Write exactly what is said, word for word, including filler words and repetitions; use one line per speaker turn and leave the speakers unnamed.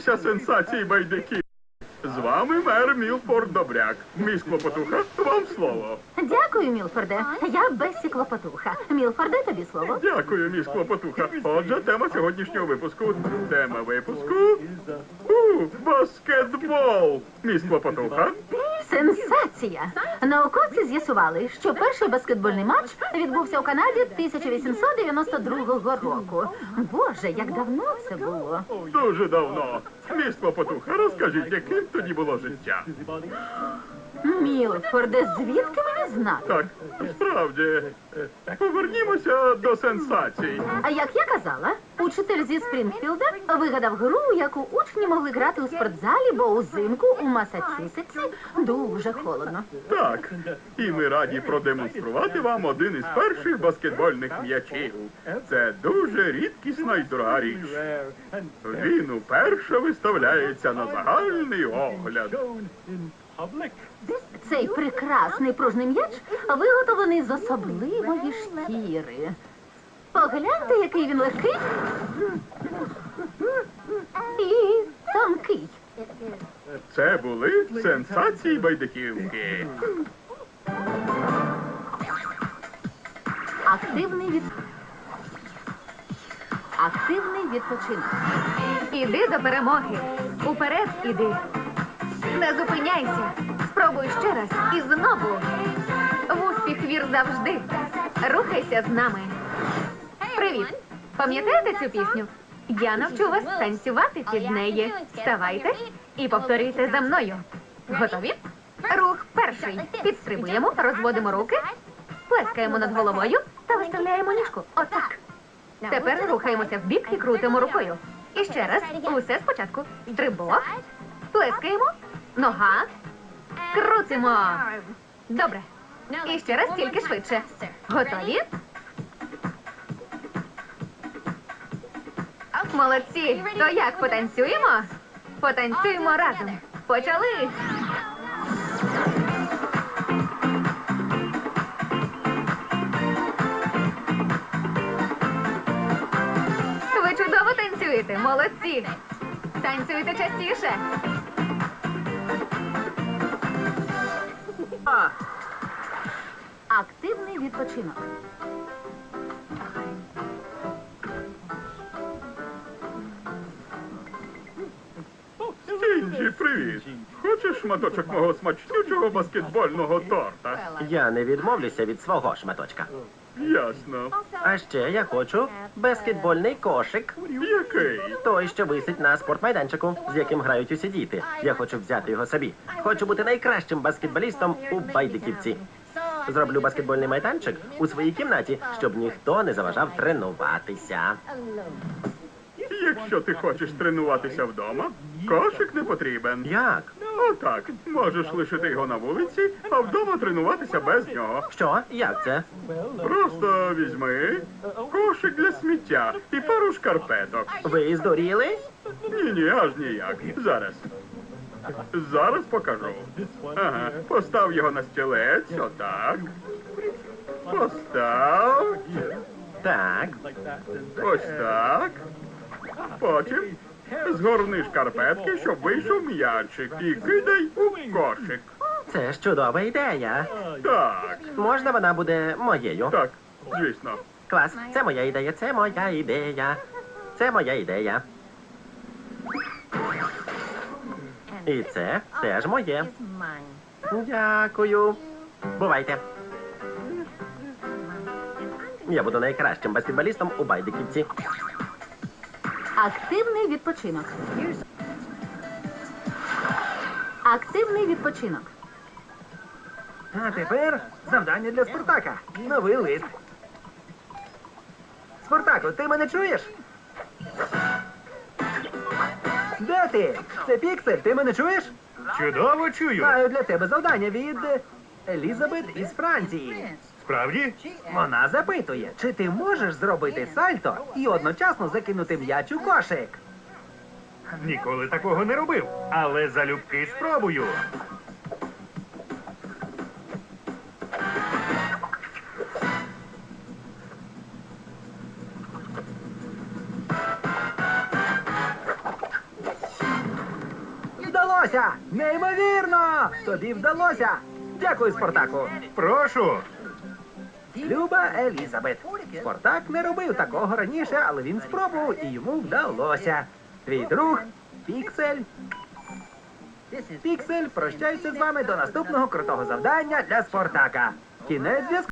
дивитеся сенсації байдиків. З вами мер Мілфорд Добряк. Міс Клопотуха, вам слово.
Дякую, Мілфорде. Я Бессі Клопотуха. Мілфорде, тобі слово.
Дякую, міс Клопотуха. Отже, тема сьогоднішнього випуску. Тема випуску... У, баскетбол. Міс Клопотуха.
Сенсація! Науковці з'ясували, що перший баскетбольний матч відбувся у Канаді тисяча вісімсот дев'яносто другого року. Боже, як давно це було.
Дуже давно. Міс Клопотуха, розкажіть, яким тоді було життя?
Мілфорде, звідки мені знати?
Так, справді. Повернімося до сенсацій.
А як я казала, учитель зі Спрінгфілда вигадав гру, яку учні могли грати у спортзалі, бо узимку у Масачусетсі дуже холодно.
Так, і ми раді продемонструвати вам один із перших баскетбольних м'ячів. Це дуже рідкісна і дорога річ. Він уперше виставляється на загальний огляд.
Цей прекрасний пружний м'яч виготовлений з особливої шкіри. Погляньте, який він легкий і тонкий.
Це були сенсації байдиківки.
Активний від... Активний відпочинок.
Іди до перемоги. Уперед іди. Не зупиняйся. Спробуй ще раз і знову. В успіх вір завжди. Рухайся з нами. Привіт. Пам'ятаєте цю пісню? Я навчу вас танцювати під неї. Вставайте і повторюйте за мною. Готові? Рух перший. Підстрибуємо, розводимо руки, плескаємо над головою та виставляємо ніжку. Отак. Тепер рухаємося вбік і крутимо рукою. І ще раз. Усе спочатку. Стрибок. Плескаємо. Нога. Крутимо. Добре. І ще раз, тільки швидше. Готові? Молодці. То як, потанцюємо? Потанцюємо разом. Почали. Ви чудово танцюєте. Молодці. Танцюйте частіше.
Активний відпочинок.
Стінджі, привіт. Хочеш шматочок мого смачнючого баскетбольного торта?
Я не відмовлюся від свого шматочка.
Ясно.
А ще я хочу баскетбольний кошик.
Який?
Той, що висить на спортмайданчику, з яким грають усі діти. Я хочу взяти його собі. Хочу бути найкращим баскетболістом у Байдиківці. Зроблю баскетбольний майданчик у своїй кімнаті, щоб ніхто не заважав тренуватися.
Якщо ти хочеш тренуватися вдома, кошик не потрібен.
Як?
Отак, можеш лишити його на вулиці, а вдома тренуватися без нього.
Що? Як це?
Просто візьми кошик для сміття і пару шкарпеток.
Ви здуріли?
Ні-ні, аж ніяк. Зараз. Зараз покажу. Ага, постав його на стілець, отак. Постав.
Так.
Ось так. Потім згорни шкарпетки, щоб вийшов м'ячик, і кидай у кошик.
Це ж чудова ідея.
Так,
Можна вона буде моєю?
так, звісно.
Клас. Це моя ідея, це моя ідея. Це моя ідея. І це теж моє. Дякую. Бувайте. Я буду найкращим баскетболістом у Байдиківці.
Активний відпочинок. Активний відпочинок.
А тепер завдання для Спартака. Новий лист. Спартаку, ти мене чуєш? Де ти? Це Піксель, ти мене чуєш?
Чудово чую.
Маю для тебе завдання від Елізабет із Франції.
Справді?
Вона запитує, чи ти можеш зробити сальто і одночасно закинути м'яч у кошик.
Ніколи такого не робив, але залюбки спробую.
вдалося! Неймовірно! Тобі вдалося! Дякую, Спартаку!
Прошу.
Люба Елізабет. Спартак не робив такого раніше, але він спробував і йому вдалося. Твій друг Піксель. Піксель прощається з вами до наступного крутого завдання для Спартака. Кінець зв'язку.